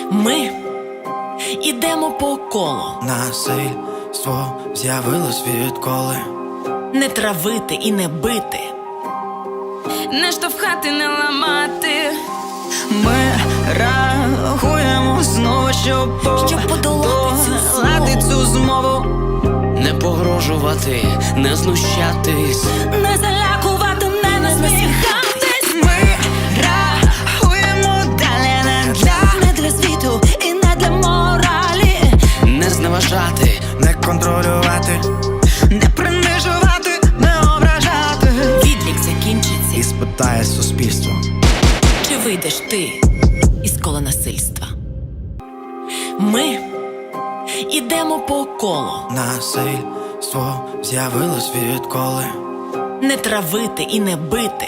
Ми ідемо по колу. Насильство з'явилось відколи. Не травити і не бити, не штовхати, не ламати. Ми рахуємо знову, щоб подолати цю змову. Не погрожувати, не знущатись, Не залякувати, не насміхатись. Ми рахуємо далі не для світу і не для моралі. не зневажати, Не контролювати, Не принижувати, не ображати. відлік закінчиться. і спитає суспільство. Чи вийдеш ти із кола насильства? Ми ідемо по колу. Насильство з'явилось відколи. Не травити і не бити,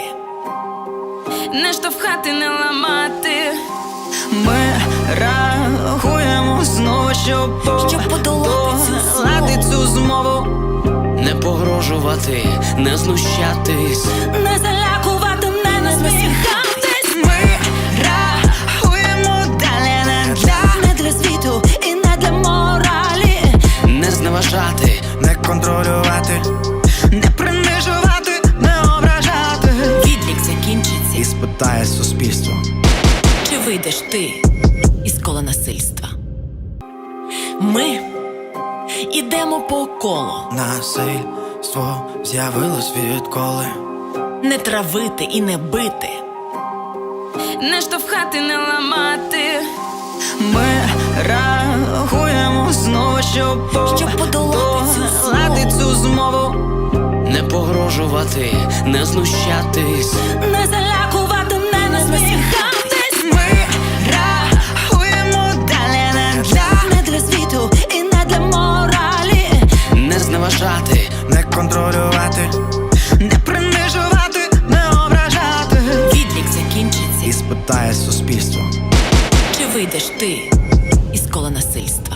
Не штовхати, не ламати. Ми рахуємо знову, щоб подолати цю змову. не погрожувати, не знущатись, Не залякувати, не насміхатись. Ми рахуємо далі не для світу і не для моралі. не зневажати, Не контролювати, Не принижувати, не ображати. відлік закінчиться. і спитає суспільство. Чи вийдеш ти із кола насильства? Ми ідемо по колу. Насильство з'явилось відколи. Не травити і не бити, Не штовхати, не ламати. Ми рахуємо знову, щоб подолати цю змову. не погрожувати, не знущатись, Не залякувати, не насміхатись. Ми рахуємо далі не для світу і не для моралі. не зневажати, Не контролювати, Не принижувати, не ображати. відлік закінчиться. і спитає суспільство. Чи вийдеш ти із кола насильства?